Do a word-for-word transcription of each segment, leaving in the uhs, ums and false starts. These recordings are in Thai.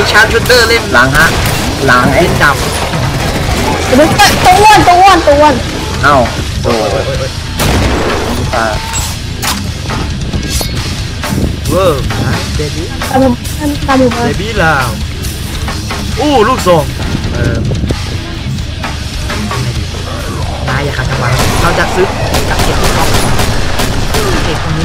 ชาร์จเดอร์เล่นหลังฮะหลังไอ้จับตัวอ้วนตัวอ้วนตัวอ้วนเอ้าโอ้ยตาเวอร์เบบี้ตามตามอยู่มาเบบี้ลาวอู้ลูกทรงเออนายอย่าขัดจังหวะเราจะซื้อจับเก็บที่เขาเก็บตรงนี้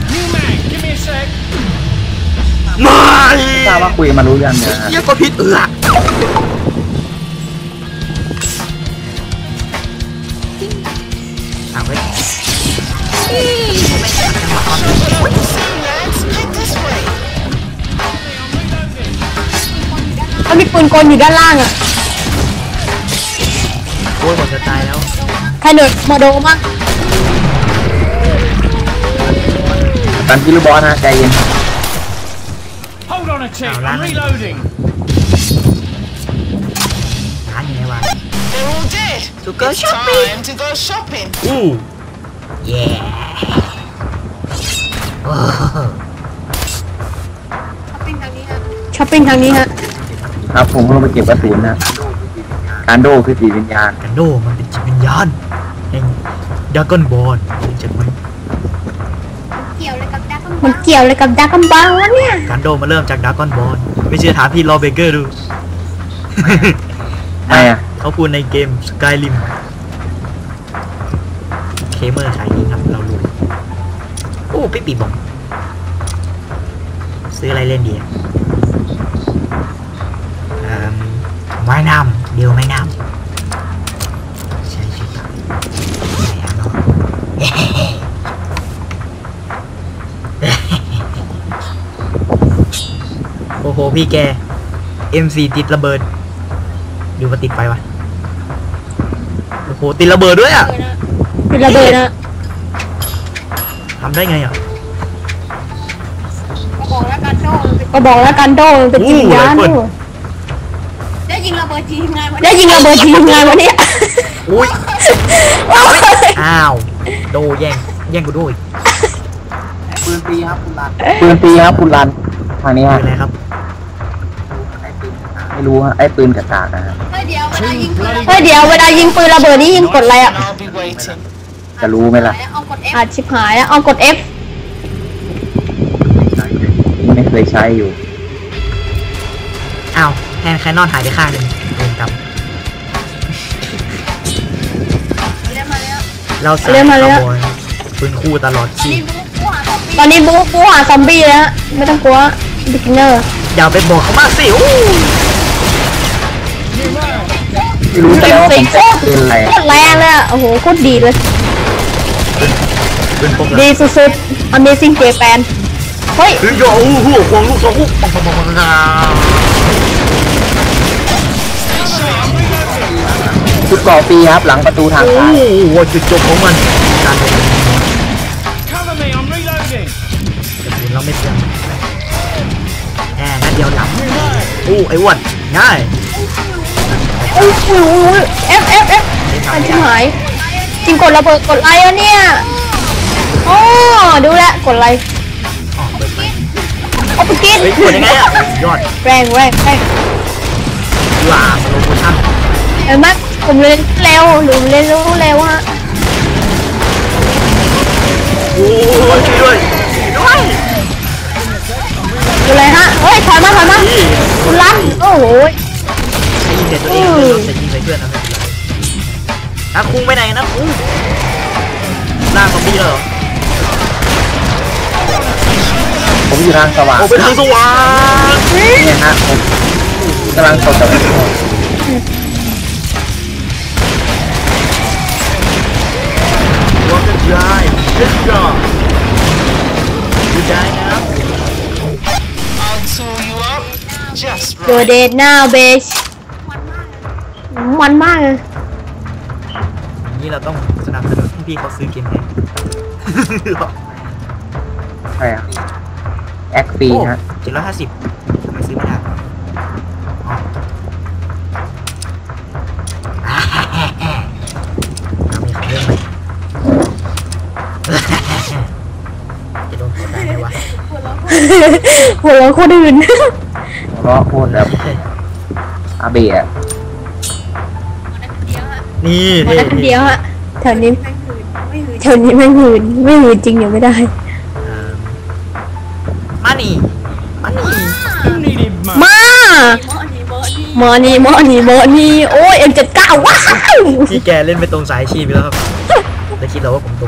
ไม่ทราบว่าคุยมารู้ยังเนี่ยยังก็พิษเอือเอาไว้เขามีปืนกลอยู่ด้านล่างอ่ะโอ้ยหมดจะตายแล้วใครเดินมาโดมั้งตันกิลูบอลนะใจเย็นเอาล้างร้านยังไงวะสุกเกอร์ช้อปปิ้งอู้เย่ช้อปปิ้งทางนี้ฮะครับผมลงไปเก็บกระสุนนะการโดคือจิตวิญญาณการโดมันเป็นจิตวิญญาณแห่งดากอนบอลจัดมันมันเกี่ยวอะไรกับดากอนบอลวะเนี่ยการโดมาเริ่มจากดากอนบอลไม่เชื่อถามพี่ลอเบเกอร์ดูไม่อะเขาพูดในเกมสกายริมเคเมอร์ขายนี้ครับเรารู้โอ้ปิ๊บปิ๊บบอกซื้ออะไรเล่นดีไม้น้ำเดียวไม้น้ำใช่ใช่ครับใช่อะเนาะโอ้โหพี่แก เอ็ม สี่ ติดระเบิดดูมาติดไฟวะโอ้โหติดระเบิดด้วยอ่ะติดระเบิดนะทำได้ไงอ่ะก็บอกแล้วกันโดก็บอกแล้วกันโดเป็นจิตวิญญาณได้ยิงระเบิดทีมงานได้ยิงระเบิดทีมงานวันนี้อุ้ยอ้าวโดแย่งแย่งกูด้วยปืนปีครับคุณรันปืนปีครับคุณรันทางนี้ฮะอะไรครับไม่รู้ฮะไอ้ปืนกระตากนะฮะเฮ้ยเดี๋ยวเวลายิงปืนเฮ้ยเดี๋ยวเวลายิงปืนระเบิดนี่ยิงกดอะไรอ่ะจะรู้ไหมล่ะอ่ะชิบหายแล้วเอากด F ไม่เคยใช้อยู่อ้าวแฮนด์แคนนอนหายไปข้างหนึ่งเดินกลับเราเล่นมาแล้วปืนคู่ตลอดชีพตอนนี้บู๊บู๊หาซอมบี้แล้วไม่ต้องกลัวบิ๊กเนอร์อย่าไปบอกเขามากสิโอ้รู้แต่ว่าผมเป็นอะไรโคตรแรงเลยอ่ะโอ้โหโคตรดีเลยดีสุดๆ Amazing Japan เฮ้ยคือโย่หัวควงลูกสองลูกปังปังปังปังชุดก่อปีครับหลังประตูทางซ้ายโอ้โหจุดจบของมันการลงเราไม่เชื่อแอบนัดเดียวหลับโอ้ไอ้อ้วนง่ายโอ้โห F F F มันชิบหายจริงกดระเบิดกดไลค์แล้วเนี่ยโอ้ดูแลกดไลค์เอาไปกินกดยังไงอ่ะยอดแรงแรงแรงว้ามาลงโปรชั่นเห็นไหมผมเล่นเร็วหรือเล่นรู้เร็วฮะโอ้ยช่วยด้วยด้วยดูเลยฮะเฮ้ยถอยมาถอยมาคุณลั่นโอ้โหใช้ยิงเด็ดตัวเองใช้ยิงใส่เพื่อนนะไม่เป็นไรนะคุ้งไปไหนนะคุ้งล่างซอมบี้เหรอผมอยู่ทางสว่างผมไปทางสว่างเนี่ยฮะผมกำลังสดกับว่ากันได้เด็ดจ้าดูได้นะโดเดทหน้าเบชมันมากเลยนี่เราต้องสนับสนุนให้พี่เขาซื้อเกมนี้ใช่อะแอคปีฮะเจ็ดร้อยห้าสิบทำไมซื้อไม่ได้มีของเล่นไหมจะโดนกดได้ไหมวะหัวเราะคนอื่นเพราะพูดแบบอาเบะนี่หมดแล้วคนเดียวฮะแถวนี้แถวนี้ไม่หืนไม่หืนจริงอยู่ไม่ได้มานี่มานี่มาหมอนี่หมอนี่หมอนี่โอ้ยเอ็มเจ็ดเก้าว้าวที่แกเล่นไปตรงสายชีพไปแล้วครับแล้วคิดเราว่าผมตรง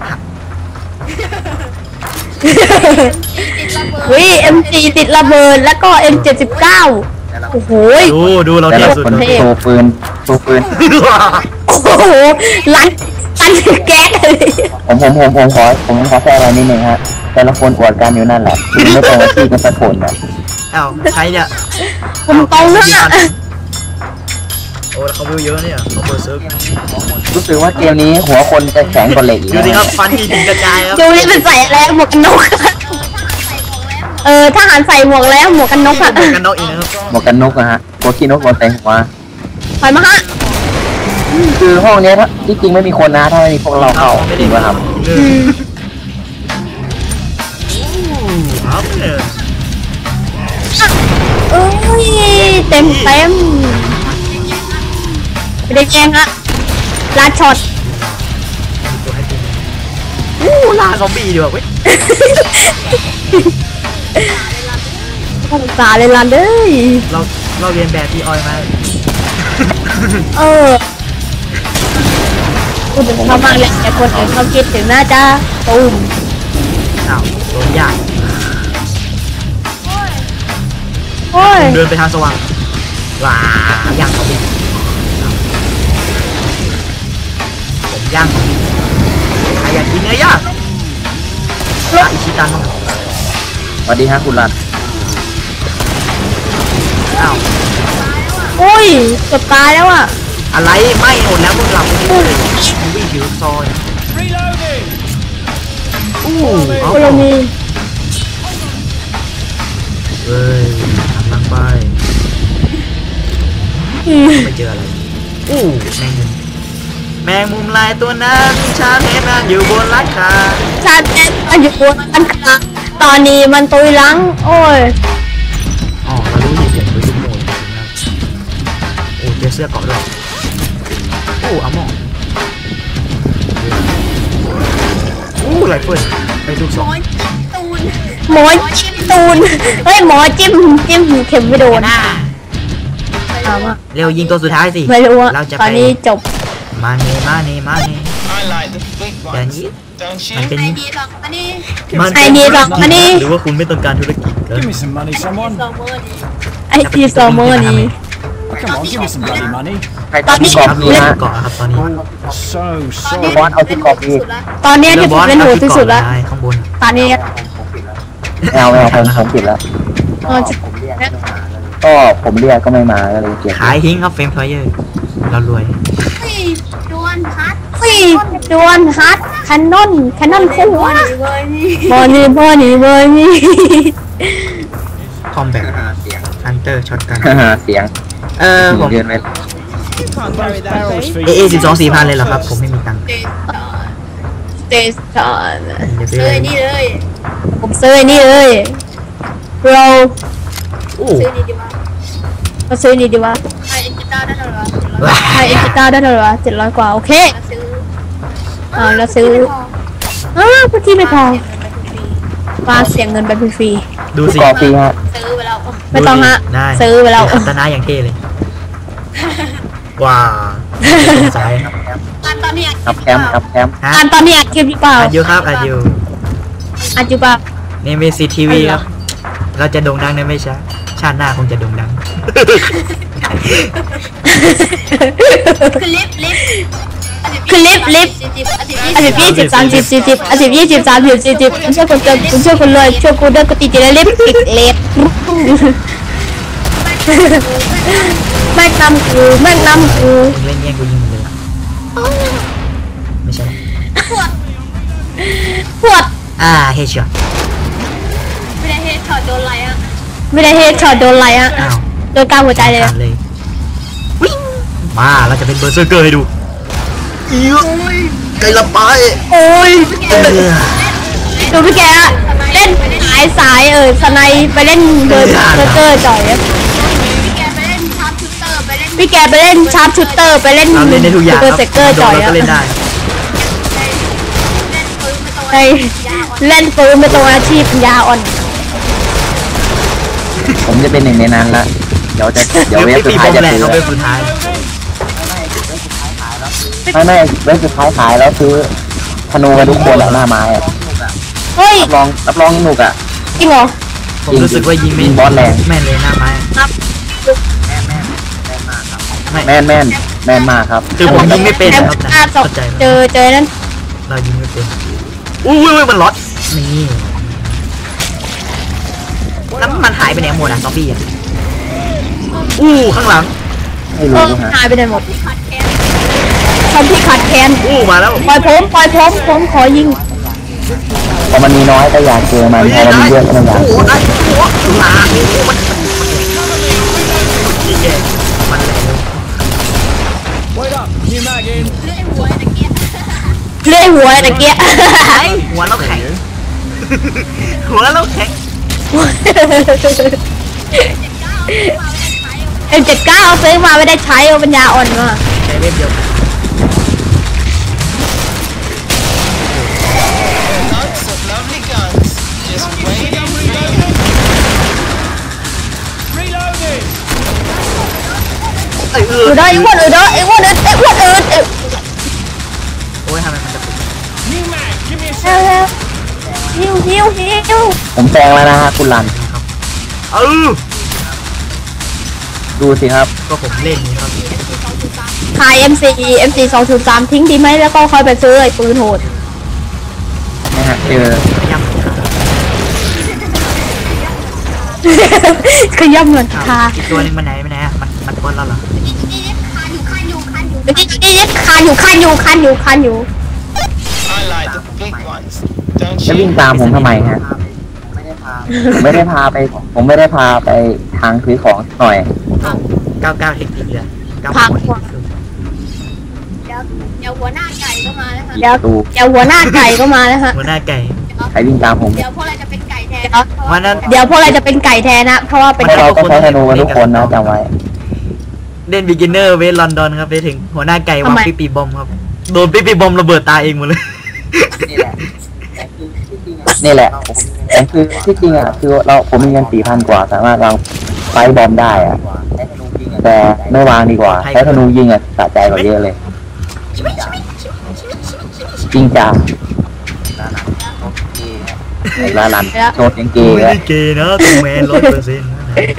วิเอ็มจีติดระเบิดแล้วก็เอ็มเจ็ดสิบเก้าโอ้โหดูดูเราแต่เทียบละสุดคนโชว์ปืนโชว์ปืนโอ้โหลันลันแก๊สเลยผมผมผมผมขอผมขอแทรกอะไรนิดนึงฮะแต่ละคนอวดกันอยู่นั่นแหละคือไม่ตรงที่กันสักคนนะเอ้าใครเนี่ยผมตรงนะโอ้แล้วเขาวิวเยอะเนี่ยเขาเบอร์เซิร์ฟรู้สึกว่าเกมนี้หัวคนจะแข็งกว่าเหล็กอีกดูสิครับฟันที่ถึงกระจายครับดูนี่เป็นใส่อะไรหมวกกันน็อกเออทหารใส่หมวกแล้วหมวกกันน็อกอะเหมือนกันนอกอีกนะครับหมวกกันนกนะฮะหัวขี้นกบนใส่หัวถอยมาฮะคือห้องเนี้ยถ้าที่จริงไม่มีคนนะถ้าไม่มีพวกเราเข้าจริงป่ะครับอืมเอาเลยเอ้ยเต็มเต็มไม่ได้แกล้งฮะลาช็อตตัวให้ตัวอู้ล่าซอมบี้ดีกว่าเว้ยภาษาเลยลันเลยเราเราเรียนแบบพี่ออยมาเออพูดถึงเขาบ้างแหละแต่คนอื่นเขาคิดถึงน่าจะตูมอ้าวโดนยากโอ้ยเดินไปทางสว่างว้าย่างซอมบี้ผมย่างซอมบี้ใครอยากกินเนื้อย่างร้านอิชิตันสวัสดีฮะคุณรันอ้าวโอ้ยเกือบตายแล้วอ่ะอะไรไม่หมดแล้วพวกเราเลยวิ่งถือซอยอู้เอาโคโลมีเฮ้ยหันหลังไปอืมไม่เจออะไรอู้แมงมุมแมงมุมลายตัวนั้นชาเห็นมันอยู่บนหลังคาชาเต็มมันอยู่บนอันขาตอนนี้มันตุยหลัง โอ้ยอ๋อเรารู้อยู่เสียงรู้ทุกโมดนะโอ้เจอเสื้อเกาะด้วยโอ้อาหมองอู้ไรเฟิลไปดูสองหมอจิ้มตูนเฮ้ยหมอจิ้มจิ้มเข็มไม่โดนหน้าถามว่าเร็วยิงตัวสุดท้ายสิไม่รู้อะเราจะตไปอนนี้จบมาเนมาเนมาเน I like the big อย่าง ones, นี้ don't มัน you? เป็นดีหรอกอันนี้มันไอเดียหรอกอันนี้หรือว่าคุณไม่ต้องการธุรกิจเออ Give me some money, someone. สองมือดีไอทีซอมเมอร์นี้ Come on, give me some bloody money. ใครตัดที่กรอบครับนี้เล่นฮะเกาะครับตอนนี้ So ตอนนี้ sorry. บอสเอาที่กรอบนี้สุดละตอนเนี้ยที่ผมเล่นโหดที่สุดแล้วข้างบนตอนนี้แอลแอลผมผมปิดแล้วเออก็ผมเรียกก็ไม่มาก็เลยเก็บขายหิ้งครับเฟรมเพลเยอร์เรารวยเฮ้ยดวนฮัทฟีดวนฮัทแคนนอนแคนนอนคู่วะเวอร์นี่บอนี่บอนี่บอนี่คอมแบทฮันเตอร์ช็อตกันเสียงเออผมเดินไป Can't carry that Barrels weight. for เอ you. เอสิบสองสี่พันเลยเหรอครับ ผมไม่มีตังค์เดสต่อเตสตอนเดี๋ยวไปเลยนี่เลยผมซื้อไอ้นี่เลยเราโอ้ซื้อนี่ดีมากเราซื้อนี่ดีวะไอเอ็นจิต้าได้เท่าไหร่ว้าไอเอ็กซ์ต้าได้เท่าไหร่วะเจ็ดร้อยกว่าโอเคซื้ออ่าเราซื้ออ้าวพื้นที่ไม่พอมาเสียเงินไปฟรีดูสิกรอบฟรีฮะซื้อไปแล้วๆไม่ต้องฮะได้ซื้อไปแล้วอัตนาอย่างเท่เลย ว้าวสงสัยอันตอนนี้กับแคมป์กับแคมป์ฮะอันตอนนี้อัดคลิปหรือเปล่าอัดอยู่ครับอัดอยู่อัดอยู่เปล่านี่มีซีทีวีครับ เราจะโด่งดังในไม่ช้าชาติหน้าคงจะโด่งดังคือลิฟลิฟคือลิฟต์ลิฟต์สิบสิบอันสิบยี่สิบสามสิบสี่สิบอันสิบยี่สิบสามสิบสี่สิบคุณช่วยคนเกินคุณช่วยคนรวยช่วยกูด้วยกูติดติดลิฟต์ติดเลสแม่งนำกูแม่งนำกูมึงเล่นแย่งกูยิงเลยไม่ใช่ปวดอ่าเฮดช็อตไม่ได้เฮดช็อตโดนอะไรอ่ะไม่ได้เฮดช็อตโดนอะไรอะอ้าวโดนกลางหัวใจเลยขาดเลยวิ่งมาเราจะเป็นเบอร์เซอร์เกอร์ให้ดูอีกไกลละไปโอ้ยเออดูพี่แกอะเล่นหายายสายเออสไนไปเล่นเดินเซอร์เกอร์จ่อยอะพี่แกไปเล่นชาร์ปชูเตอร์ไปเล่นพี่แกไปเล่นชาร์ปชูเตอร์ไปเล่นเราเล่นได้ทุกอย่างเซคอรับร์เซเกอร์โดจ่นอยเราอะก็เล่นได้เล่นปืนไม่ตรงในเล่นปืนเป็นตัวอาชีพปัญญาอ่อนผมจะเป็นหนึ่งในนั้นละเดี๋ยวจะเดี๋ยวเวฟสุดปีท้ายบอมจะแหละซื้อเขาเป็นสุดท้ายไม่ไม่เวฟสุดท้ายขายแล้วซื้อธนูกันทุกคนแหละหน้าไม้อะเฮ้ยรับรองรับรองหนุกอ่ะจริงเหรอผมรู้สึกว่ายิงไม่ยิงบอสแรงแม่นเลยหน้าไม้ครับไม่แม่นแม่นแม่นมากครับคือผมยิงไม่เป็นแอมครับอาสเข้าองใจเจอเจอนั่นเรายิงไม่เป็นอุ้ยอุ้ยมันล็อตนี่แล้วมันหายไปไหนหมดอ่ะซอมบี้อ่ะอู้ข้างหลังไม่เอรู้อฮะหายไปไหนหมดขาดแคสทำที่ขาดแคลนอู้มาแล้วปล่อยผมปล่อยผมผมขอยิงพอมันมีน้อยก็อยากเจอมันพอมันมีเยอะก็ไม่อยากโอ้เจโหอได้โอ้โหหลาโอ้โหมันมันแย่มันแรง Wait up. New mag in. เลื่อยหัวตะเกียบเลื่อยหัวตะเกียไอ้หัวเราแข็งหัวเราแข็งเอ็มเจ็ดเก้าซื้อมาไม่ได้ใช้เอาปัญญาอ่อนมาใช้เว็บเดียวกัน Lots of lovely guns. Just waiting. Reloading. เอ้ยเออืออได้อีกวันอื่นเด้ออีกวันอื่นอีกวันอื่นอีกโอ้ยทำไมมันจะปิด New mag. Give me a เร็ว sec. เร็วหิวหิวหิวผมแซงแล้วนะฮะคุณรันเออดูสิครับก็ผมเล่นนี่ครับขาย เอ็ม ซี เอ็ม ซี สองศูนย์สามทิ้งดีไหมแล้วก็ค่อยไปซื้อไอ้ปืนโหดนะฮะเจอย่ำขาขย่ำเงินอ้าวคาอีกตัวหนึงมันไหนมันไหนอะมันมันก้นเราเหรอนี่นี่คานอยู่คานอยู่คานอยู่นี่นี่คันอยู่คันอยู่คันอยู่คันอยู่ I like the big ones. Don't จะวิ่ง you? ตามผมทำไมฮะผมไม่ได้พาไป ผมไม่ได้พาไปทางซื้อของหน่อยเก้าเก้าเทคนิคเลยเก้าพังเก้าเทคนิคเดี๋ยวเดี๋ยวหัวหน้าไก่ก็มาแล้วค่ะเดี๋ยวดูเดี๋ยวหัวหน้าไก่ก็มาแล้วฮะหัวหน้าไก่ใครวิ่งตามผมเดี๋ยวพวกเราจะเป็นไก่แทนวันนั้นเดี๋ยวพวกเราจะเป็นไก่แทนนะเพราะว่าเป็นไม่เราก็ใช้ธนูกันทุกคนนะจำไว้เล่น beginner เวทลอนดอนครับไปถึงหัวหน้าไก่วางปีปีบอมครับโดนปีปีบอมระเบิดตายเองหมดเลยนี่แหละแต่คือที่จริงอ่ะคือเราผมมีเงินสี่พันกว่าสามารถวางไฟบอมได้อ่ะแต่ไม่วางดีกว่าใช้ธนูยิงอ่ะสะใจกว่าเยอะเลยจริงจ้าไอ้ลาลันโชดยังเกกูย์ไม่แล้วได้เกย์นะตัวแมนร้อยเปอร์เซ็นต์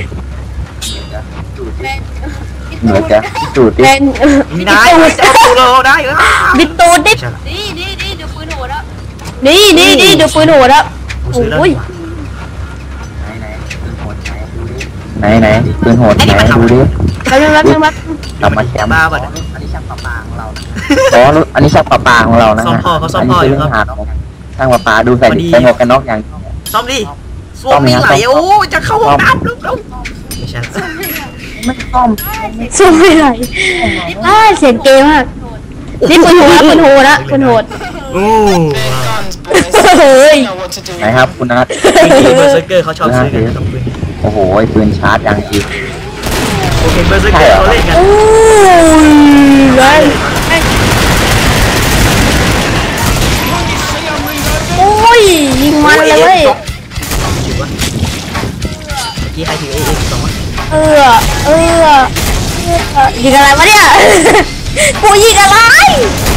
เหนือจะสูตรดิเป็นมีนายจะเอากูเราได้เหรอบิดตูดดิใช่ละนี่นี่นี่เดี๋ยวปืนโหดแล้วนี่นี่นี่ดูปืนโหดแล้วกูซื้อแล้วโอ้ยดีกว่าไหนไหนปืนโหดไหนดูดิแป๊บนึงแป๊บนึงแป๊บนึงกลับมาแชมป์บ้าป่ะอ๋ออันนี้ช่างปลาปลาของเรานะซ่อมฮะพ่อเขาซ่อมพ่ออยู่ครับนนี้เป็นเรื่องหาของช่างปลาปลาดูใส่พอดีใส่หมวกกันน็อกอย่างซ่อมดิซ่อมไม่ไหลโอ้จะเข้าห้องน้ำลุกลุกไม่ใช่ละไม่ซ่อมสู้ไม่ไหวอ้าเสียงเกมมากนี่ปืนโหดนะปืนโหดนะปืนโหดโอ้ Big guns, boys. เฮ้ย You know what to do. ไหนครับคุณนัทเบอร์เซอร์เกอร์เขาชอบซื้อกันต้องปืนโอ้โหปืนชาร์จอย่างจริงโอเคเบอร์เซอร์เกอร์เขาเล่นกันโอ้ยไงโอ้ยยิงมันเลยเว้ยเมื่อกี้ใครถือเอเอ็กสองเออเออเออยิงอะไรวะเนี่ยกูยิงอะไร